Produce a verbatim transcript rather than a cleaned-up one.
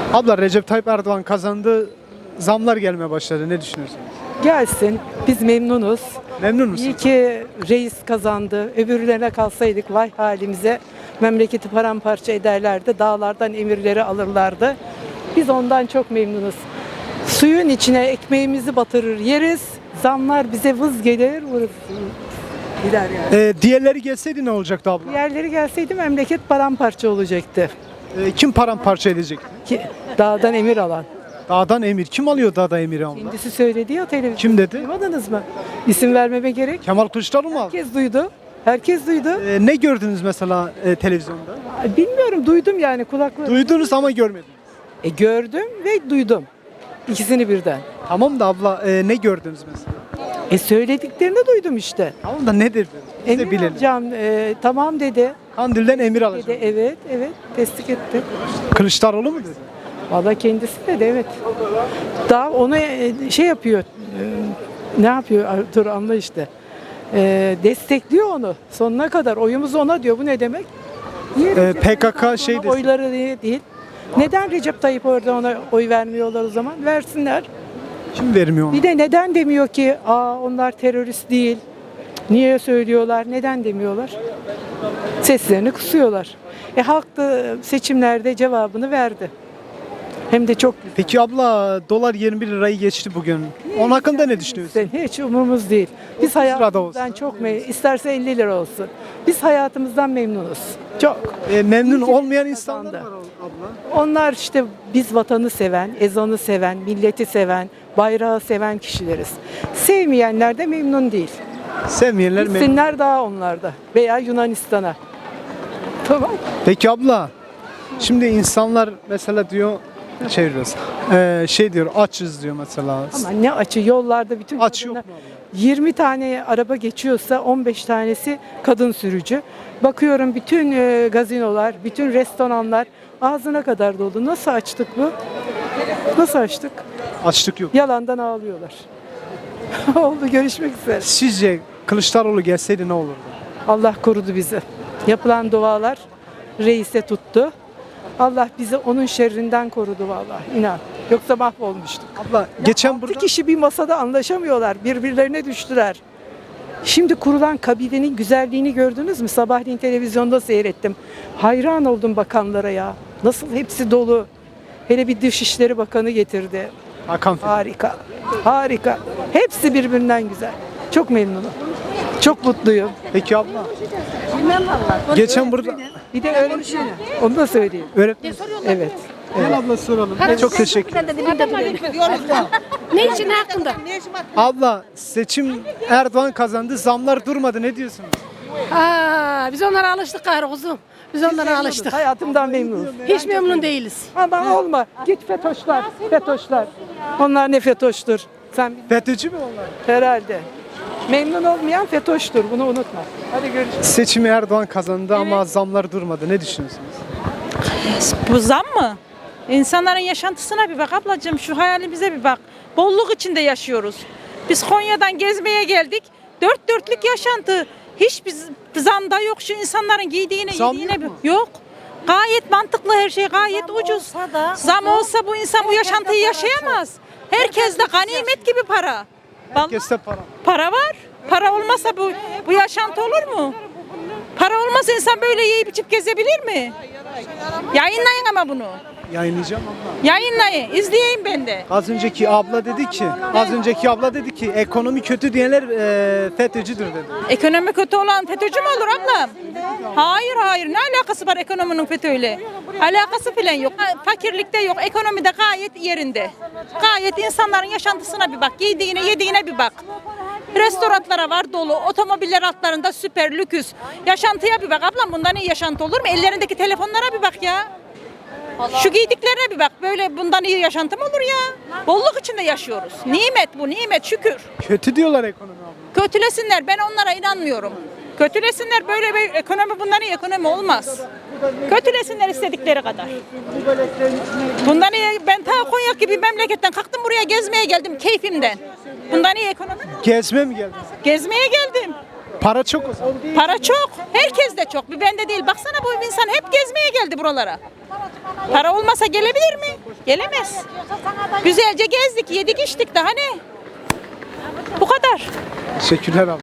Abla Recep Tayyip Erdoğan kazandı. Zamlar gelmeye başladı. Ne düşünüyorsunuz? Gelsin. Biz memnunuz. Memnun musunuz? İyi ki reis kazandı. Öbürlerine kalsaydık vay halimize. Memleketi paramparça ederlerdi. Dağlardan emirleri alırlardı. Biz ondan çok memnunuz. Suyun içine ekmeğimizi batırır yeriz. Zamlar bize vız gelir. Vız gider yani. Ee, diğerleri gelseydi ne olacaktı abla? Diğerleri gelseydi memleket paramparça olacaktı. Ee, kim paramparça edecekti? Ki dağdan emir alan. Dağdan emir. Kim alıyor dağda emiri abla? Kendisi söyledi ya televizyonda. Kim dedi? Duymadınız mı? İsim vermeme gerek. Kemal Kılıçdaroğlu mu aldı? Herkes duydu. Herkes duydu. Ee, ne gördünüz mesela e, televizyonda? Bilmiyorum, duydum yani kulakla. Duydunuz ama görmediniz. E, gördüm ve duydum. İkisini birden. Tamam da abla e, ne gördünüz mesela? E söylediklerini duydum işte. Tamam da nedir? Biz de Emir bilelim. alacağım. E, tamam dedi. Kandil'den emir Dedi alacağım. evet, evet. Tesdik etti. Kılıçdaroğlu mu dedi? Valla kendisi dedi evet. Daha ona e, şey yapıyor. E, ne yapıyor? Dur anla işte. E, destekliyor onu. Sonuna kadar. Oyumuz ona diyor. Bu ne demek? Niye Ee, Recep P K K Tayyip şey Erdoğan'a desin. oyları diye değil. Neden Recep Tayyip Erdoğan'a oy vermiyorlar o zaman? Versinler. Kim vermiyor onu? Bir de neden demiyor ki aa onlar terörist değil. Niye söylüyorlar? Neden demiyorlar? Seslerini kısıyorlar. E halk da seçimlerde cevabını verdi. Hem de çok güzel. Peki abla dolar yirmi bir lirayı geçti bugün. Onun hakkında ne düşünüyorsun? Hiç umurumuz değil. Biz sırada hayatımızdan olsun. çok memnunuz. İsterse elli lira olsun. Biz hayatımızdan memnunuz. Çok. E, memnun İyi olmayan ki insanlar kazandı. var abla. Onlar işte biz vatanı seven, ezanı seven, milleti seven, bayrağı seven kişileriz. Sevmeyenler de memnun değil. Sevmeyenler memnun. Gitsinler daha onlarda veya Yunanistan'a. Tamam. Peki abla, şimdi insanlar mesela diyor, çevir biraz. Ee, şey diyor, açız diyor mesela. Ama ne açı yollarda bütün Aç yok kadınlar- mu abla? yirmi tane araba geçiyorsa on beş tanesi kadın sürücü. Bakıyorum bütün e, gazinolar, bütün restoranlar ağzına kadar dolu. Nasıl açtık bu? Nasıl açtık? Açlık yok. Yalandan ağlıyorlar. Oldu, görüşmek üzere. Sizce Kılıçdaroğlu gelseydi ne olurdu? Allah korudu bizi. Yapılan dualar reise tuttu. Allah bizi onun şerrinden korudu vallahi, inan. Yoksa mahvolmuştuk. Abla geçen Altı burada kişi bir masada anlaşamıyorlar. Birbirlerine düştüler. Şimdi kurulan kabinenin güzelliğini gördünüz mü? Sabahleyin televizyonda seyrettim. Hayran oldum bakanlara ya. Nasıl hepsi dolu. Hele bir Dışişleri Bakanı getirdi. Hakan Fidan. Harika. Harika. Hepsi birbirinden güzel. Çok memnunum. Çok mutluyum. Peki abla. Geçen burada Bir de öğretmen. Onu da söyleyeyim. öğretmen. Evet. Gel abla soralım. Çok teşekkür ederim. Ne için hakkında? Abla seçim Erdoğan kazandı. Zamlar durmadı. Ne diyorsunuz? Aa, biz onlara alıştık gayrı kuzum. Biz onlara alıştık. Hayatımdan memnunum. Hiç memnun değiliz. Ama olma. Git fetoşlar. Fetoşlar. Onlar ne fetoştur? Sen FETÖ'cü mü onlar? herhalde. Memnun olmayan fetoştur. Bunu unutma. Hadi görüşürüz. Seçimi Erdoğan kazandı ama zamlar durmadı. Ne düşünüyorsunuz? Bu zam mı? İnsanların yaşantısına bir bak ablacığım, şu hayalimize bir bak. Bolluk içinde yaşıyoruz. Biz Konya'dan gezmeye geldik. Dört dörtlük yaşantı. Hiçbir zam da yok, şu insanların giydiğine, Zam yediğine yok bir- mu? yok. Gayet mantıklı her şey, gayet ucuz. Zam olsa bu insan bu yaşantıyı yaşayamaz. Herkes de ganimet gibi para. Vallahi Herkeste para. para var. Para olmasa bu bu yaşantı olur mu? Para olmasa insan böyle yiyip içip gezebilir mi? Yayınlayın ama bunu. Yayınlayacağım abla. Yayınlayın, izleyeyim ben de. Az önceki abla dedi ki, az önceki abla dedi ki ekonomi kötü diyenler e, FETÖ'cüdür dedi. Ekonomi kötü olan FETÖ'cü mü olur ablam? Hayır hayır, ne alakası var ekonominin FETÖ'yle? Alakası falan yok. Fakirlikte yok, ekonomide gayet yerinde. Gayet insanların yaşantısına bir bak, giydiğine yediğine bir bak. Restoranlara var dolu, otomobiller altlarında süper lüküs. Yaşantıya bir bak ablam, bundan iyi yaşantı olur mu? Ellerindeki telefonlara bir bak ya. Şu giydiklerine bir bak, böyle bundan iyi yaşantı mı olur ya? Bolluk içinde yaşıyoruz. Nimet bu, nimet, şükür. Kötü diyorlar ekonomi abla. Kötülesinler, ben onlara inanmıyorum. Kötülesinler, böyle bir ekonomi, bundan iyi ekonomi olmaz. Kötülesinler istedikleri kadar. Bundan iyi, ben ta Konya gibi memleketten kalktım buraya gezmeye geldim keyfimden. Bundan iyi ekonomi mi olur? Gezme mi geldin? Gezmeye geldim. Para çok o zaman. Para çok, herkes de çok. Bir bende değil. Baksana bu insan hep gezmeye geldi buralara. Para olmasa gelebilir mi? Gelemez. Güzelce gezdik, yedik, içtik. Daha ne? Bu kadar. Teşekkürler abla.